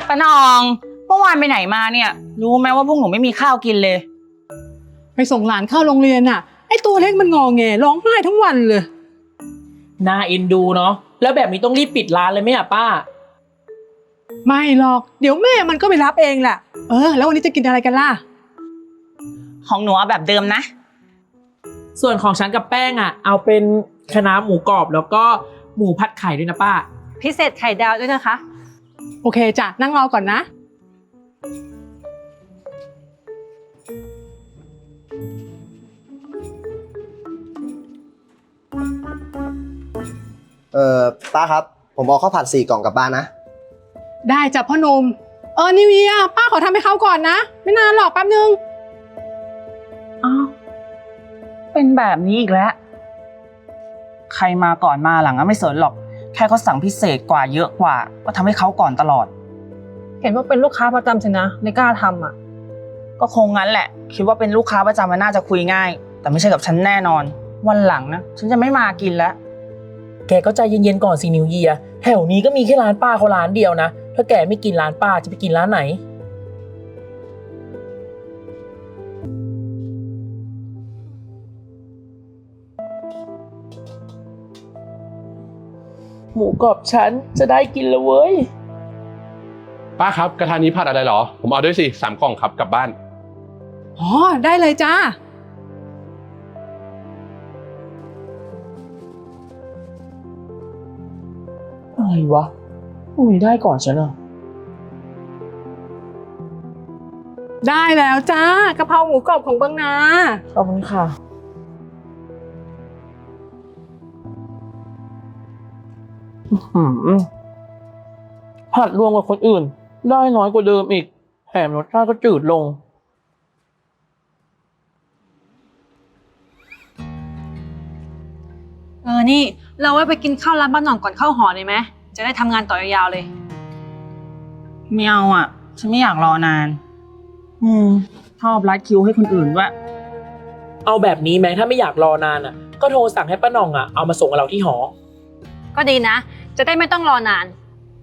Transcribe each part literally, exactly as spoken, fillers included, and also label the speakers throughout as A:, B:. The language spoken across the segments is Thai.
A: ป้านองเมื่อวานไปไหนมาเนี่ยรู้ไหมว่าพวกหนูไม่มีข้าวกินเลย
B: ไปส่งหลานเข้าโรงเรียนน่ะไอ้ตัวเล็กมันงอแงร้องไห้ทั้งวันเลย
C: น่าเอ็นดูเนาะแล้วแบบนี้ต้องรีบปิดร้านเลยไหมอ่ะป้า
B: ไม่หรอกเดี๋ยวแม่มันก็ไปรับเองแหละเออแล้ววันนี้จะกินอะไรกันล่ะ
A: ของหนูเอาแบบเดิมนะ
C: ส่วนของฉันกับแป้งอ่ะเอาเป็นคะน้าหมูกรอบแล้วก็หมูผัดไข่ด้วยนะป้า
D: พิเศษไข่ดาวด้วยนะคะ
B: โอเคจ้ะนั่งรอก่อนนะ
E: เออป้าครับผมเอาข้าวผัดสี่กล่องกลับบ้านนะ
B: ได้จ้ะพ่อหนุ่มเออนิวเยียร์ป้าขอทำให้เขาก่อนนะไม่นานหรอกแป๊บนึง
A: อ้าวเป็นแบบนี้อีกแล้วใครมาก่อนมาหลังก็ไม่สนหรอกแค่เขาสั่งพิเศษกว่าเยอะกว่าก็ทำให้เขาก่อนตลอด
D: เห็นว่าเป็นลูกค้าประจำสินะในกล้าทำอ่ะ
A: ก็คงงั้นแหละคิดว่าเป็นลูกค้าประจำมันน่าจะคุยง่ายแต่ไม่ใช่กับฉันแน่นอนวันหลังนะฉันจะไม่มากินแล้ว
C: แกก็ใจเย็นๆก่อนสินิวเยียร์แถวนี้ก็มีแค่ร้านป้าเขาร้านเดียวนะถ้าแกไม่กินร้านป้าจะไปกินร้านไหนหมูกรอบฉันจะได้กินแล้วเว้ย
F: ป้าครับกระทะนี้ผัดอะไรหรอผมเอาด้วยสิสามกล่องครับกลับบ้าน
B: อ๋อได้เลยจ้า
C: อะไรวะอุ้ยได้ก่อนฉันอ่ะ
B: ได้แล้วจ้ากะเพราหมูกรอบของบางนา
C: ขอบคุณค่ะผัดรวมกับคนอื่นได้น้อยกว่าเดิมอีกแถมรสชาติก็จืดลง
D: เออนี่เราไว้ไปกินข้าวร้านบ้านหน่องก่อนเข้าหอเลยไหมจะได้ทำงานต่อยาวๆเลย
A: ไม่เอาอ่ะฉันไม่อยากรอนานอืมชอบรัดคิวให้คนอื่นด้วย
C: เอาแบบนี้ไหมถ้าไม่อยากรอนานอ่ะก็โทรสั่งให้ป้าหน่องอ่ะเอามาส่งกับเราที่หอ
D: ก็ดีนะจะได้ไม่ต้องรอนาน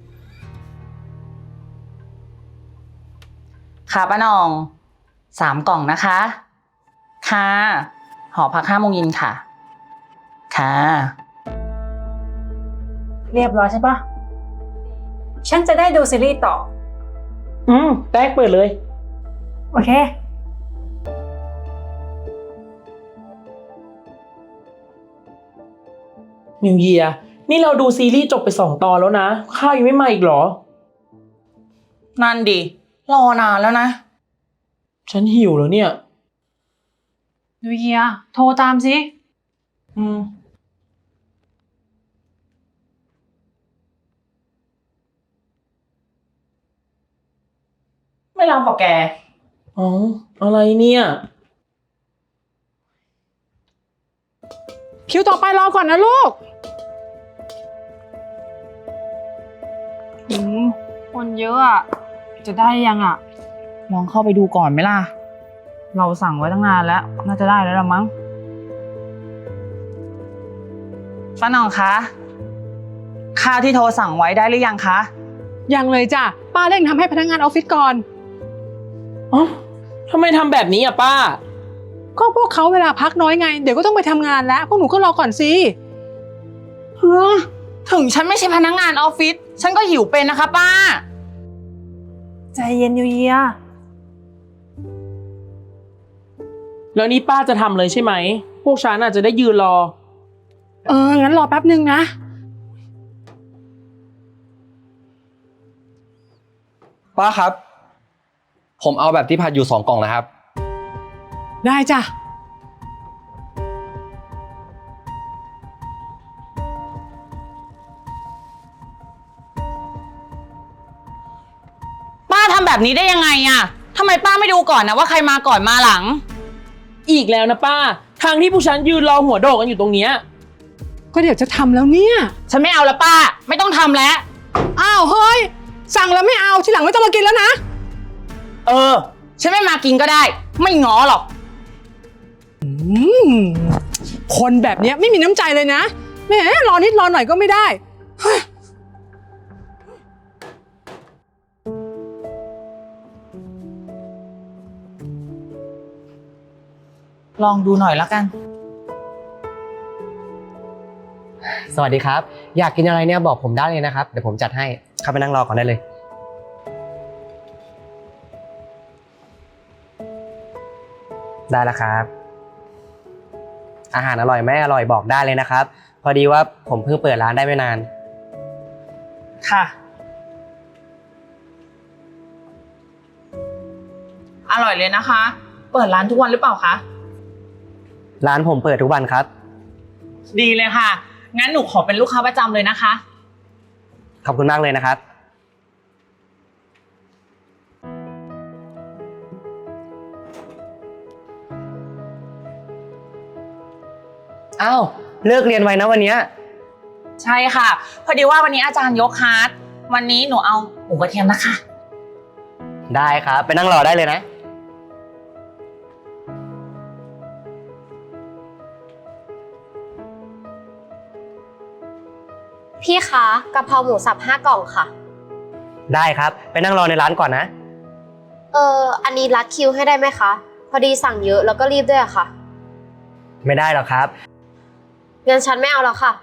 A: ค่ะป้านองสามกล่องนะคะค่ะหอพักห้าโมงเย็นค่ะค่ะ
D: เรียบร้อยใช่ปะฉันจะได้ดูซีรีส์ต่อ
C: อืมแป๊กเปิดเลย
D: โอเค
C: นิวเยียร์นี่เราดูซีรีส์จบไปสองตอนแล้วนะข้าวยังไม่มาอีกเหรอ
A: นั่นดิรอนานแล้วนะ
C: ฉันหิวแล้วเนี่ย
D: นิวเยียร์โทรตามสิ
A: อืมไม่รับหรอกแก
C: อ๋ออะไรเนี่ย
B: คิวต่อไปรอก่อนนะลูก
D: อืมคนเยอะอ่ะจะได้ยังอ่ะ
A: ลองเข้าไปดูก่อนไหมล่ะเราสั่งไว้ตั้งนานแล้วน่าจะได้แล้วละมั้งป้าหน่องคะข้าวที่โทรสั่งไว้ได้หรือยังคะ
B: ยังเลยจ้ะป้าเร่งทำให้พนักงานออฟฟิศก่อน
C: อ๋อทำไมทำแบบนี้อ่ะป้า
B: ก็พวกเขาเวลาพักน้อยไงเดี๋ยวก็ต้องไปทำงานแล้วพวกหนูก็รอก่อนสิ
A: เฮ้อถึงฉันไม่ใช่พนักงานออฟฟิศฉันก็หิวเป็นนะคะป้า
D: ใจเย็นนิวเยียร์
C: แล้วนี่ป้าจะทำเลยใช่ไหมพวกฉันอาจจะได้ยืนรอ
B: เอองั้นรอแป๊บนึงนะ
E: ป้าครับผมเอาแบบที่ผัดอยู่สองกล่องนะครับ
B: ได้จ้ะ
A: ป้าทำแบบนี้ได้ยังไงอะทำไมป้าไม่ดูก่อนนะว่าใครมาก่อนมาหลัง
C: อีกแล้วนะป้าทางที่พวกฉันยืนรอหัวโดกกันอยู่ตรงเนี้ย
B: ก็เดี๋ยวจะทำแล้วเนี่ย
A: ฉันไม่เอาแล้วป้าไม่ต้องทำแล้ว
B: อ้าวเฮ้ยสั่งแล้วไม่เอาทีหลังไม่ต้องมากินแล้วนะ
A: เออฉันไม่มากินก็ได้ไม่ง้อหรอก
B: อืมคนแบบนี้ไม่มีน้ำใจเลยนะแหมรอนิดรอหน่อยก็ไม่ได้
A: ลองดูหน่อยแล้วกัน
G: สวัสดีครับ อยากกินอะไรเนี่ยบอกผมได้เลยนะครับ เดี๋ยวผมจัดให้เข้าไปนั่งรอก่อนได้เลย ได้แล้วครับ อาหารอร่อยไหมอร่อยบอกได้เลยนะครับ พอดีว่าผมเพิ่งเปิดร้านได้ไม่นาน
A: ค่ะ อร่อยเลยนะคะ เปิดร้านทุกวันหรือเปล่าคะ
G: ร้านผมเปิดทุกวันครับ
A: ดีเลยค่ะ งั้นหนูขอเป็นลูกค้าประจำเลยนะคะ
G: ขอบคุณมากเลยนะครับ อ้าวเลิกเรียนไว้นะวันเนี้ย
A: ใช่ค่ะ พอดีว่าวันนี้อาจารย์ยกคลาสวันนี้หนูเอาหมูกระเทียมนะคะ
G: ได้ครับ ไปนั่งรอได้เลยนะ
H: พี่คะกะเพราหมูสับห้ากล่องค่ะ
G: ได้ครับ ไปนั่งรอในร้านก่อนนะ
H: เอออันนี้รัดคิวให้ได้ไหมคะ พอดีสั่งเยอะแล้วก็รีบด้วยอะค่ะ
G: ไม่ได้หรอกครับ
H: งั้นฉันไม่เอาแล้วค่ะ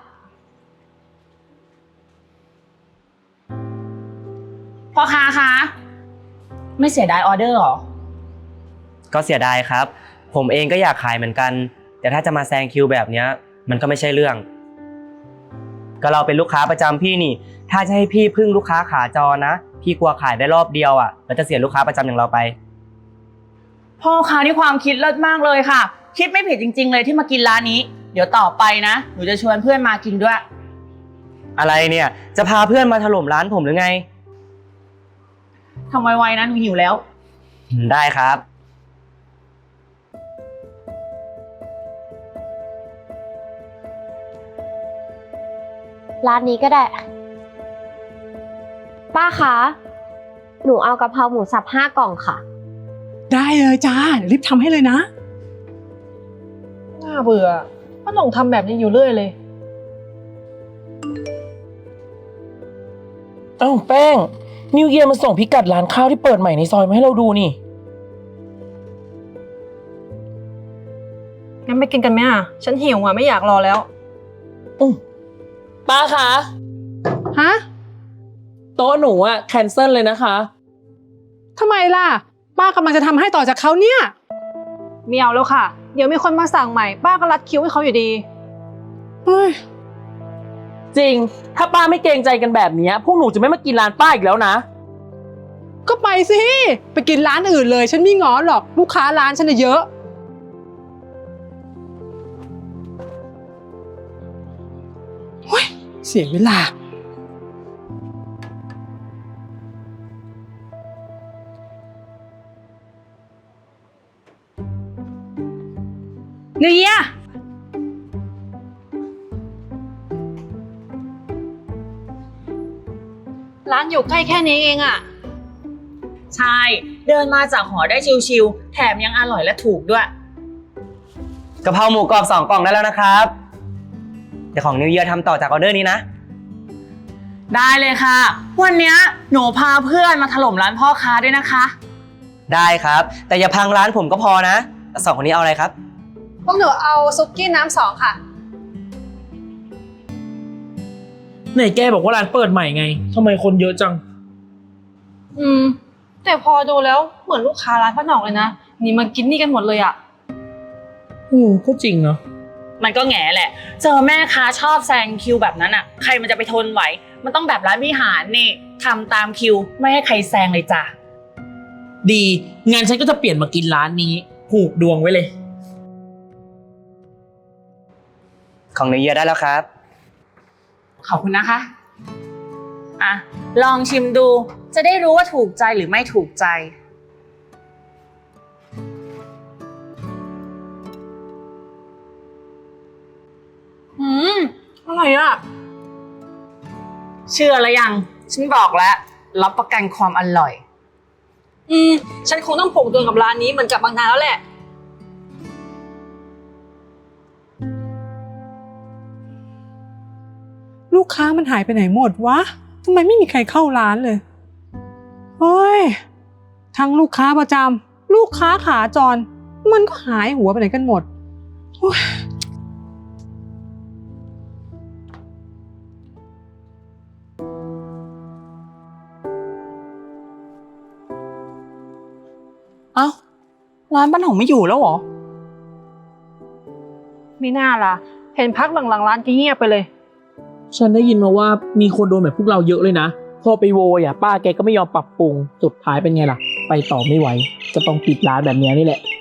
A: พ่อค้าคะไม่เสียดายออเดอร์หรอ
G: ก็เสียดายครับ ผมเองก็อยากขายเหมือนกัน แต่ถ้าจะมาแซงคิวแบบเนี้ยมันก็ไม่ใช่เรื่อง ก็เราเป็นลูกค้าประจำพี่นี่ ถ้าจะให้พี่พึ่งลูกค้าขาจรนะ พี่กลัวขายได้รอบเดียวอ่ะแล้วจะเสียลูกค้าประจำอย่างเราไป
A: พ่อค้านี่ความคิดเลิศมากเลยค่ะ คิดไม่ผิดจริงๆเลยที่มากินร้านนี้ เดี๋ยวต่อไปนะ หนูจะชวนเพื่อนมากินด้วย
G: อะไรเนี่ย จะพาเพื่อนมาถล่มร้านผมหรือไง
A: ทำไวๆนะหนูหิวแล้ว
G: ได้ครับ
H: ร้านนี้ก็ได้ ป้าคะ หนูเอากะเพราหมูสับห้ากล่องค่ะ
B: ได้เลยจ้าเดี๋ยวรีบทำให้เลยนะ
D: น่าเบื่อป้าหน่องทำแบบนี้อยู่เรื่อยเลย
C: เอ้าแป้งนิวเยียร์มันส่งพิกัดร้านข้าวที่เปิดใหม่ในซอยมาให้เราดูนี่
D: งั้นไปกินกันไหมอ่ะ ฉันหิวอ่ะไม่อยากรอแล้ว
C: ป้าคะ
B: ฮะ
C: โต๊ะหนูอะแคนเซิลเลยนะคะ
B: ทำไมล่ะ ป้ากำลังจะทำให้ต่อจากเขาเนี่ย
D: ไม่เอาแล้วค่ะ เดี๋ยวมีคนมาสั่งใหม่ ป้าก็รัดคิวให้เขาอยู่ดี
B: เฮ้ย
C: จริง ถ้าป้าไม่เกรงใจกันแบบนี้พวกหนูจะไม่มากินร้านป้าอีกแล้วนะ
B: ก็ไปสิ ไปกินร้านอื่นเลย ฉันไม่ง้อหรอก ลูกค้าร้านฉันน่ะเยอะเฮ้ยเสียเวลา
D: เนียร้านอยู่ใกล้แค่นี้เองอ่ะ
A: ใช่ เดินมาจากหอได้ชิวๆแถมยังอร่อยและถูกด้วย
G: กะเพราหมูกรอบสองกล่องได้แล้วนะครับเดี๋ยวของนิวเยียร์ทำต่อจากออเดอร์นี้นะ
A: ได้เลยค่ะ วันเนี้ยหนูพาเพื่อนมาถล่มร้านพ่อค้าด้วยนะคะ
G: ได้ครับ แต่อย่าพังร้านผมก็พอนะแล้วสองคนนี้เอาอะไรครับ
D: พวกหนูเอาซุกี้น้ำสองค่ะ
C: ไหนแกบอกว่าร้านเปิดใหม่ไงทำไมคนเยอะจัง
D: อืม แต่พอดูแล้วเหมือนลูกค้าร้านป้าหน่องเลยนะ นี่มากินนี่กันหมดเลยอ่ะ
C: อืมก็จริงเนาะ
A: มันก็แง่แหละ เจอแม่ค้าชอบแซงคิวแบบนั้นอ่ะ ใครมันจะไปทนไหว มันต้องแบบร้านวิหารนี่ทำตามคิวไม่ให้ใครแซงเลยจ้ะ
C: ดีงานฉันก็จะเปลี่ยนมากินร้านนี้ผูกดวงไว้เลย
G: ของนิวเยียร์ได้แล้วครับ
A: ขอบคุณนะคะ อ่ะ ลองชิมดู จะได้รู้ว่าถูกใจหรือไม่ถูกใจ
D: อืมอร่อยอ่ะ
A: เชื่อแล้วยัง ฉันบอกแล้ว รับประกันความอร่อย
D: อืม ฉันคงต้องผูกดวงกับร้านนี้เหมือนกับบางนาแล้วแหละ
B: ลูกค้ามันหายไปไหนหมดวะ ทำไมไม่มีใครเข้าร้านเลย เฮ้ย ทั้งลูกค้าประจำ ลูกค้าขาจร มันก็หายหัวไปไหนกันหมด
A: เอ้าร้านป้าหน่องไม่อยู่แล้วเหรอ
D: ไม่น่าล่ะ เห็นพักหลังๆร้านจะเงียบไปเลย
C: ฉันได้ยินมาว่ามีคนโดนแบบพวกเราเยอะเลยนะ พอไปโวยอ่ะป้าแกก็ไม่ยอมปรับปรุง สุดท้ายเป็นไงล่ะ ไปต่อไม่ไหว จะต้องปิดร้านแบบเนี้ยนี่แหละ